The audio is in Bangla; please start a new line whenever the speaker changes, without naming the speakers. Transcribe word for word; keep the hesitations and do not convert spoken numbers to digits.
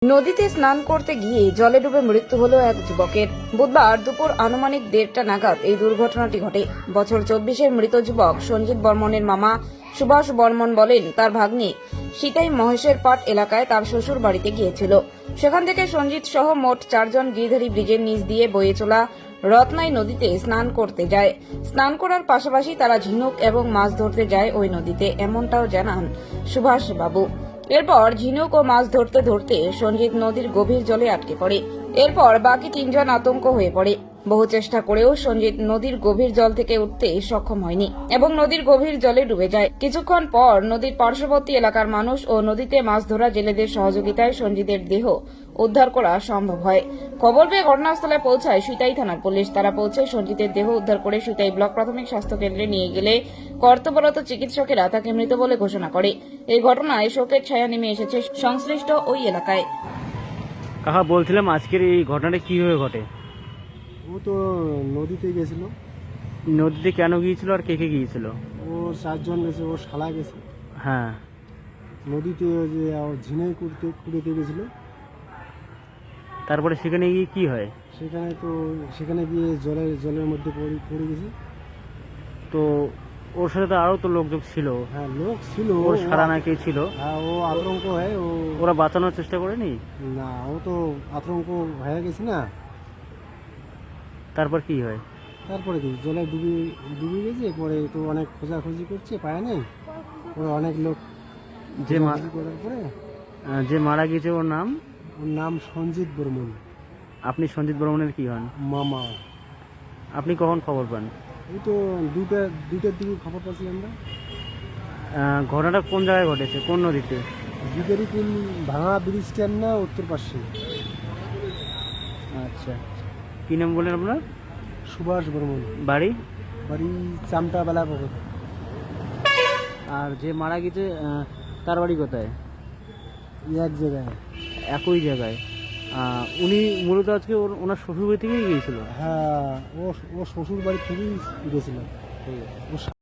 নদীতে স্নান করতে গিয়ে জলে ডুবে মৃত্যু হলো এক যুবকের। বুধবার দুপুর আনুমানিক দেড়টা নাগাদ এই দুর্ঘটনাটি ঘটে। বছর চব্বিশের মৃত যুবক সঞ্জিত বর্মনের মামা সুভাষ বর্মন বলেন, তার ভাগ্নি সীতাই মহেশের পাট এলাকায় তার শ্বশুর বাড়িতে গিয়েছিল। সেখান থেকে সঞ্জিত সহ মোট চারজন গিরিধারী ব্রিজের নিচ দিয়ে বয়ে চলা রত্নাই নদীতে স্নান করতে যায়। স্নান করার পাশাপাশি তারা ঝিনুক এবং মাছ ধরতে যায় ওই নদীতে, এমনটাও জানান সুভাষ বাবু। এরপর ঝিনুক ও মাছ ধরতে ধরতে সঞ্জিত নদীর গভীর জলে আটকে পড়ে। এরপর বাকি তিনজন আতঙ্ক হয়ে পড়ে। বহু চেষ্টা করেও সঞ্জিত নদীর গভীর জল থেকে উঠতে সক্ষম হয়নি এবং নদীর গভীর জলে ডুবে যায়। কিছুক্ষণ পর নদীর পার্শ্ববর্তী এলাকার মানুষ ও নদীতে মাছ ধরা জেলেদের সহযোগিতায় সঞ্জিতের দেহ উদ্ধার করা সম্ভব হয়। খবর পেয়ে ঘটনাস্থলে পৌঁছায় সিতাই থানার পুলিশ। তারা পৌঁছে সঞ্জিতের দেহ উদ্ধার করে সিতাই ব্লক প্রাথমিক স্বাস্থ্য কেন্দ্রে নিয়ে গেলে কর্তব্যরত চিকিৎসকেরা তাকে মৃত বলে ঘোষণা করে। এই ঘটনায় শোকের ছায়া নেমে এসেছে সংশ্লিষ্ট ওই এলাকায়।
কাকা বলছিলাম, আজকের এই ঘটনাটা কিভাবে ঘটে?
ও তো নদীতে গেছিল।
নদীতে কেন গিয়েছিল আর কে কে গিয়েছিল?
ও চারজন গেছে, ও শালা গেছে
হ্যাঁ,
নদীতে। ওই যে ঝিনাই কুড়তে কুড়িতে গেছিল।
তারপরে সেখানে গিয়ে কি হয়?
সেখানে তো সেখানে গিয়ে জলের জলের মধ্যে পড়ে পড়ে গেছে।
তো ওর সাথে তো আরো তো লোকজন ছিল।
হ্যাঁ, লোক ছিল।
ওর সারা না কে ছিল?
হ্যাঁ, ও আতঙ্ক হয়। ও
ওরা বাঁচানোর চেষ্টা করেনি?
না, ও তো আতঙ্ক হয়ে গেছে না।
তারপর কি হয়?
তারপরে কি জলে ডুবে ডুবে গেছে। পরে তো অনেক খোঁজাখুঁজি করছে, পায় নাই। ওরা অনেক লোক
যে মা-
খোঁজাখুঁজি করার পরে
আহ, যে মারা গেছে ওর নাম?
ওর নাম সঞ্জিত বর্মন।
আপনি সঞ্জিত বর্মনের কি হন?
মামা।
আপনি কখন খবর পান?
এই তো দুটা দুটার দিকে খবর পাচ্ছি আমরা।
আহ, ঘটনাটা কোন জায়গায় ঘটেছে, কোন নদীতে?
গিদারি পুল ভাঙা ব্রিজ স্ট্যান্ড না, উত্তর পাশে।
আচ্ছা, কি নাম বলেন আপনার?
সুভাষ বর্মন।
বাড়ি?
বাড়ি চামটা বেলা পকর।
আর যে মারা গেছে আহ, তার বাড়ি কোথায়?
এক জায়গায়।
একই জায়গায়। আহ, উনি মূলত আজকে ওর ওনার শ্বশুর বাড়ি থেকেই গিয়েছিল।
হ্যাঁ, ও ও শ্বশুর বাড়ি থেকেই গেছিল। ও